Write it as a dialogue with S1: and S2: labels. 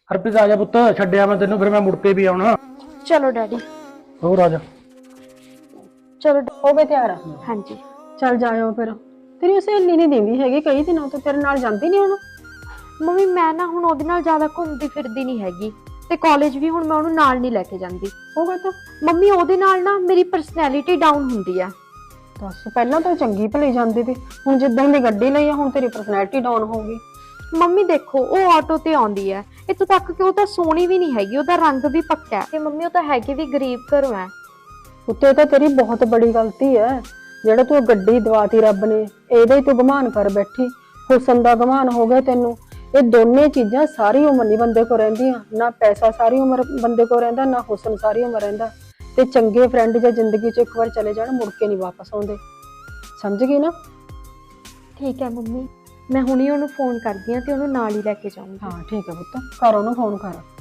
S1: ਹਰਪ੍ਰੀਤ ਆ ਜਾ ਪੁੱਤ, ਛੱਡਿਆ ਮੈਂ ਤੈਨੂੰ, ਫਿਰ ਮੈਂ ਮੁੜ ਕੇ ਵੀ ਆਉਣਾ।
S2: ਚਲੋ ਡੈਡੀ।
S1: ਹੋਰ ਆ ਜਾ।
S2: ਚਲੋ
S3: ਹੋ ਗਏ ਤਿਆਰ?
S2: ਹਾਂਜੀ।
S3: ਚੱਲ ਜਾਇਓ ਫਿਰ। ਤੇਰੀ ਸਹੇਲੀ ਨਹੀਂ ਦਿੰਦੀ ਹੈਗੀ ਕਈ ਦਿਨਾਂ ਤੋਂ, ਤੇਰੇ ਨਾਲ ਜਾਂਦੀ ਨਹੀਂ ਹੁਣ?
S2: ਮੰਮੀ ਮੈਂ ਨਾ ਹੁਣ ਉਹਦੇ ਨਾਲ ਜ਼ਿਆਦਾ ਘੁੰਮਦੀ ਫਿਰਦੀ ਨਹੀਂ ਹੈਗੀ, ਤੇ ਕਾਲਜ ਵੀ ਹੁਣ ਮੈਂ ਉਹਨੂੰ ਨਾਲ ਨਹੀਂ ਲੈ ਕੇ ਜਾਂਦੀ।
S3: ਉਹ ਕਹਤਾ
S2: ਮੰਮੀ ਉਹਦੇ ਨਾਲ ਨਾ ਮੇਰੀ ਪਰਸਨੈਲਿਟੀ ਡਾਊਨ ਹੁੰਦੀ ਆ।
S3: ਦੱਸ, ਪਹਿਲਾਂ ਤਾਂ ਚੰਗੀ ਭਲੀ ਜਾਂਦੀ ਸੀ, ਹੁਣ ਜਿੱਦਾਂ ਦੀ ਗੱਡੀ ਲਈ ਆ ਹੁਣ ਤੇਰੀ ਪਰਸਨੈਲਿਟੀ ਡਾਊਨ ਹੋ ਗਈ।
S2: ਮੰਮੀ ਦੇਖੋ, ਉਹ ਆਟੋ ਤੇ ਆਉਂਦੀ ਹੈ, ਇੱਥੋਂ ਤੱਕ ਕਿ ਉਹ ਤਾਂ ਸੋਹਣੀ ਵੀ ਨਹੀਂ ਹੈਗੀ, ਉਹਦਾ ਰੰਗ ਵੀ ਪੱਕਾ ਹੈ, ਤੇ ਮੰਮੀ ਉਹ ਤਾਂ ਹੈਗੀ ਵੀ ਗਰੀਬ ਘਰੋਂ ਹੈ।
S3: ਉੱਤੇ ਤਾਂ ਤੇਰੀ ਬਹੁਤ ਬੜੀ ਗਲਤੀ ਹੈ, ਜਿਹੜਾ ਤੂੰ ਗੱਡੀ ਦਵਾਤੀ ਰੱਬ ਨੇ, ਇਹਦਾ ਹੀ ਤੂੰ ਗੁਮਾਨ ਕਰ ਬੈਠੀ। ਹੁਸਨ ਦਾ ਗੁਮਾਨ ਹੋ ਗਿਆ ਤੈਨੂੰ। ਇਹ ਦੋਨੇ ਚੀਜ਼ਾਂ ਸਾਰੀ ਉਮਰ ਨਹੀਂ ਬੰਦੇ ਕੋ ਰਹਿੰਦੀਆਂ, ਨਾ ਪੈਸਾ ਸਾਰੀ ਉਮਰ ਬੰਦੇ ਕੋ ਰਹਿੰਦਾ, ਨਾ ਹੁਸਨ ਸਾਰੀ ਉਮਰ ਰਹਿੰਦਾ। ਤੇ ਚੰਗੇ ਫਰੈਂਡ ਜੇ ਜ਼ਿੰਦਗੀ 'ਚ ਇੱਕ ਵਾਰ ਚਲੇ ਜਾਣ ਮੁੜ ਕੇ ਨਹੀਂ ਵਾਪਸ ਆਉਂਦੇ, ਸਮਝ ਗਈ ਨਾ?
S2: ਠੀਕ ਹੈ ਮੰਮੀ, ਮੈਂ ਹੁਣੀ ਉਹਨੂੰ ਫੋਨ ਕਰਦੀ ਹਾਂ ਤੇ ਉਹਨੂੰ ਨਾਲ ਹੀ ਲੈ ਕੇ ਜਾਊਂਗੀ।
S3: ਹਾਂ ਠੀਕ ਹੈ ਪੁੱਤ, ਕਰ ਉਹਨੂੰ ਫੋਨ ਕਰ।